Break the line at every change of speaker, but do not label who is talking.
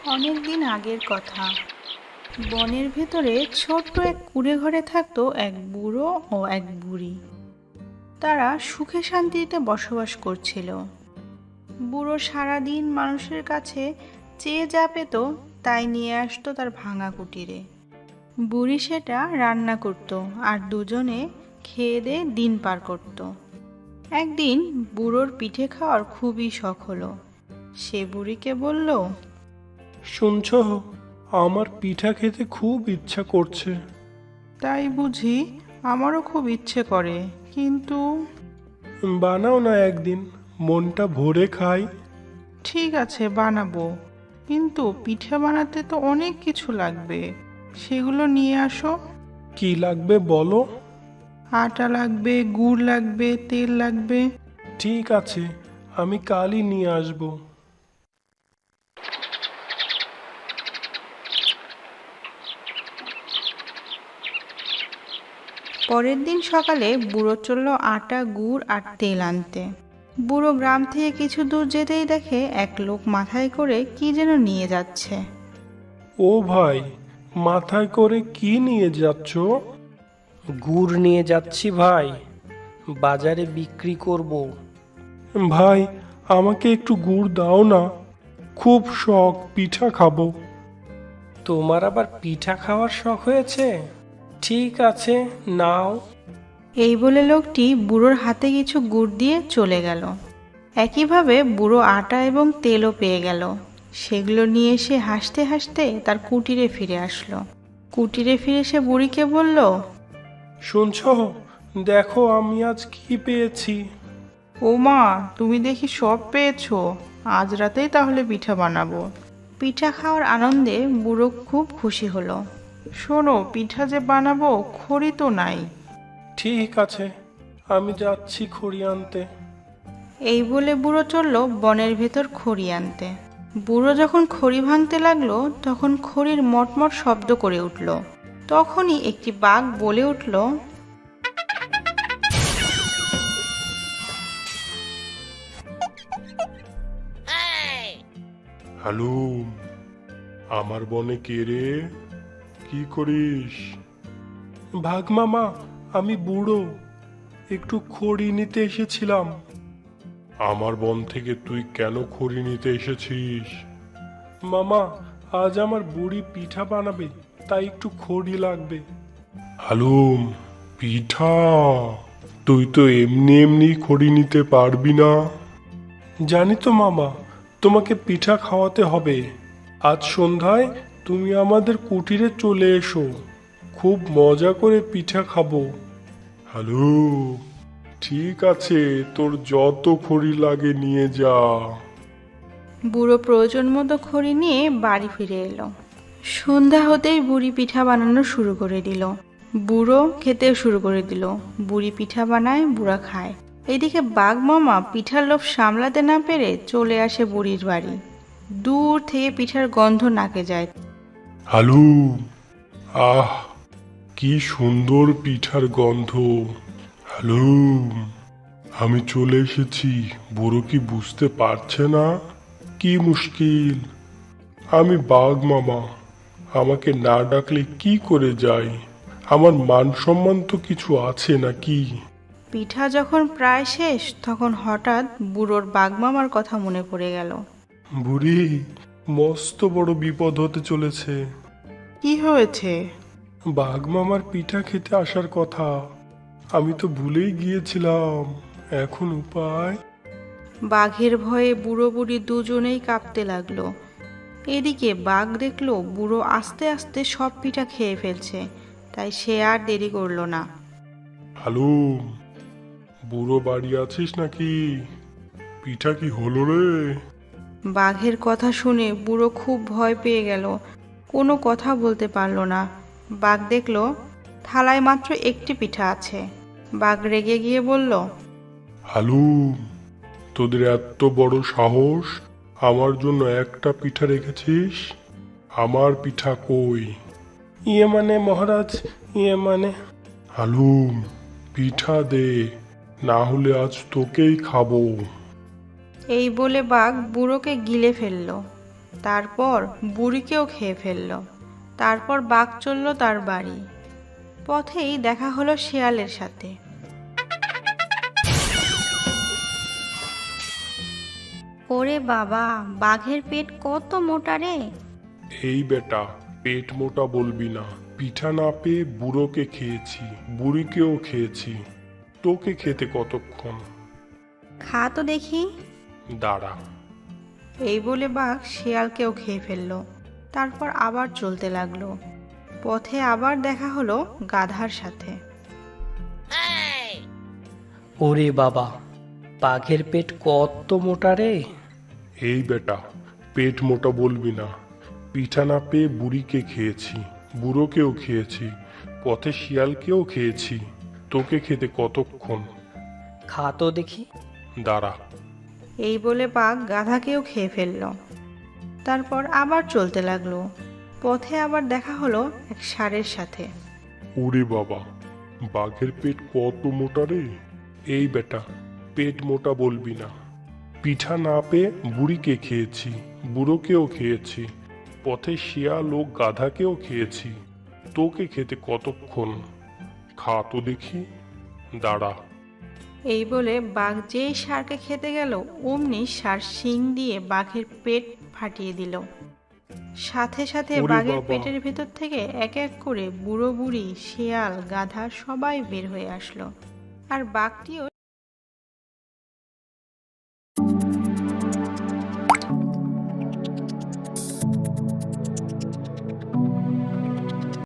অনেক দিন আগের কথা। বনের ভেতরে ছোট্ট এক কুঁড়ে ঘরে থাকতো এক বুড়ো ও এক বুড়ি। তারা সুখে শান্তিতে বসবাস করছিল। বুড়ো সারাদিন মানুষের কাছে চেয়ে যা পেত তাই নিয়ে আসতো তার ভাঙা কুটিরে। বুড়ি সেটা রান্না করত আর দুজনে খেয়ে দিয়ে দিন পার করত। একদিন বুড়োর পিঠে খাওয়ার খুবই শখ হলো। সে বুড়িকে বলল,
শুনছ, আমার পিঠা খেতে খুব ইচ্ছা করছে।
তাই বুঝি? আমারও খুব ইচ্ছে করে, কিন্তু
বানাও না একদিন, মনটা ভরে খাই।
ঠিক আছে, বানাবো। কিন্তু পিঠে বানাতে তো অনেক কিছু লাগবে, সেগুলো নিয়ে আসো।
কি লাগবে বলো?
আটা লাগবে, গুড় লাগবে, তেল লাগবে।
ঠিক আছে, আমি কালই নিয়ে আসবো।
পরের দিন সকালে বুড়ো চলল আটা, গুড় আর তেল আনতে। বুড়ো গ্রাম থেকে কিছু দূর যেতেই দেখে এক লোক মাথায় করে কি যেন নিয়ে যাচ্ছে।
ও ভাই, মাথায় করে কি নিয়ে যাচ্ছ?
গুড় নিয়ে যাচ্ছি ভাই, বাজারে বিক্রি করব।
ভাই, আমাকে একটু গুড় দাও না, খুব শখ পিঠা খাবো।
তোমার আবার পিঠা খাওয়ার শখ হয়েছে? ঠিক আছে, নাও।
এই বলে লোকটি বুড়োর হাতে কিছু গুড় দিয়ে চলে গেল। একইভাবে বুড়ো আটা এবং তেলও পেয়ে গেল। সেগুলো নিয়ে সে হাসতে হাসতে তার কুটিরে ফিরে আসলো। কুটিরে ফিরে সে বুড়িকে বলল,
শুনছ, দেখো আমি আজ কি পেয়েছি।
ও মা, তুমি দেখি সব পেয়েছো। আজ রাতেই তাহলে পিঠা বানাবো।
পিঠা খাওয়ার আনন্দে বুড়ো খুব খুশি হলো।
শোনো, পিঠা যে বানাবো, খড়ি তো নাই।
ঠিক আছে, আমি যাচ্ছি খড়ি আনতে।
এই বলে বুড়ো চলল বনের ভেতর খড়ি আনতে। বুড়ো যখন খড়ি ভাঙতে লাগলো তখন খড়ির মটমট শব্দ করে উঠল। তখনই একটি বাঘ বলে উঠল,
হ্যালো, আমার বনে কে রে? কি করিস? ভাগ মামা, আমি বুড়ো, একটু খড়ি নিতে এসেছিলাম। আমার বন থেকে তুই কেন খড়ি নিতে এসেছিস? মামা, আজ আমার বুড়ি পিঠা বানাবে, তাই একটু খড়ি লাগবে। হালুম, পিঠা? তুই তো এমনি এমনি খড়ি নিতে পারবি না। জানি তো মামা, তোমাকে পিঠা খাওয়াতে হবে। আজ সন্ধ্যায় তুমি আমাদের কুটিরে চলে এসো, খুব মজা করে পিঠা খাবো। হ্যালো, ঠিক আছে, তোর যত খড়ি লাগে নিয়ে যা।
বুড়ো প্রয়োজন মতো খড়ি নিয়ে বাড়ি ফিরে এলো। সন্ধ্যা হতেই বুড়ি পিঠা বানানো শুরু করে দিল। বুড়ো খেতেও শুরু করে দিল। বুড়ি পিঠা বানায়, বুড়া খায়। এদিকে বাঘ মামা পিঠার লোভ সামলাতে না পেরে চলে আসে বুড়ির বাড়ি। দূর থেকে পিঠার গন্ধ নাকে যায়।
হ্যালো, আহ, কি সুন্দর পিঠার গন্ধ। হ্যালো, আমি চলে এসেছি। বুড়ো কি বুঝতে পারছে না? কি মুশকিল, আমি বাঘ মামা, আমাকে না ডাকলে কি করে যাই? আমার মান সম্মান তো কিছু আছে নাকি?
পিঠা যখন প্রায় শেষ তখন হঠাৎ বুড়োর বাঘ মামার কথা মনে পড়ে গেল।
বুড়ি, মস্ত বড় বিপদ হতে চলেছে।
কি হয়েছে?
বাঘ মামার পিঠা খেতে আসার কথা, আমি তো ভুলেই গিয়েছিলাম। এখন উপায়?
বাঘের ভয়ে বুড়ো বুড়ি দুজনেই কাঁপতে লাগলো। এদিকে বাঘ দেখলো বুড়ো আস্তে আস্তে সব পিঠা খেয়ে ফেলছে, তাই সে আর দেরি করলো না।
হ্যালো, বুড়ো বাড়ি আছিস নাকি? পিঠা কি হলো রে?
বাঘের কথা শুনে বুড়ো খুব ভয় পেয়ে গেল, কোনো কথা বলতে পারলো না। বাঘ দেখলো থালায় মাত্র একটি পিঠা আছে। বাঘ রেগে গিয়ে বলল,
হ্যালো, তোদের এত বড় সাহস, আমার জন্য একটা পিঠা রেখেছিস? আমার পিঠা কই? ইয়ে মানে মহারাজ, ইয়ে মানে। হ্যালো, পিঠা দে, না হলে আজ তোকেই খাবো।
এই বলে বাঘ বুড়োকে গিলে ফেলল। তারপর বুড়িকেও খেয়ে ফেলল। তারপর বাঘ চলল তার বাড়ি। পথেই দেখা হলো শেয়ালের সাথে।
ওরে বাবা, বাঘের পেট কত মোটা রে!
এই বেটা, পেট মোটা বলবি না। পিঠা না পেয়ে বুড়োকে খেয়েছি, বুড়িকেও খেয়েছি। তোকে খেতে কতক্ষণ?
খা তো দেখি।
দাঁড়া।
এই বলে বাঘ শেয়ালকেও খেয়ে ফেলল। তারপর আবার চলতে লাগলো। পথে আবার দেখা হলো গাধার সাথে।
ওরে বাবা, বাঘের পেট কত মোটা রে!
এই বেটা, পেট মোটা বলবি না। পিঠা না পেয়ে বুড়িকে খেয়েছি, বুড়োকেও খেয়েছি, পথে শিয়ালকেও খেয়েছি। তোকে খেতে কতক্ষণ?
খা তো দেখি।
দাঁড়া।
এই বলে বাঘ গাধাকেও খেয়ে ফেলল। তারপর আবার চলতে লাগলো। পথে আবার দেখা হলো এক ষাঁড়ের সাথে।
ওরে বাবা, বাঘের পেট কত মোটা রে! এই বেটা, পেট মোটা বলবি না। পিঠা না পেয়ে বুড়িকে খেয়েছি, বুড়োকেও খেয়েছি, পথে শিয়াল ও গাধাকেও খেয়েছি। তোকে খেতে কতক্ষণ? খা তো দেখি। দাঁড়া।
এই বলে বাঘ যেই ষাঁড়কে খেতে গেল, অমনি ষাঁড় শিং দিয়ে বাঘের পেট ফাটিয়ে দিল। সাথে সাথে
ওরে
বাঘের
বাবা!
পেটের ভেতর থেকে এক এক করে বুড়ো বুড়ি, শিয়াল, গাধা সবাই বের হয়ে আসলো। আর বাঘটিও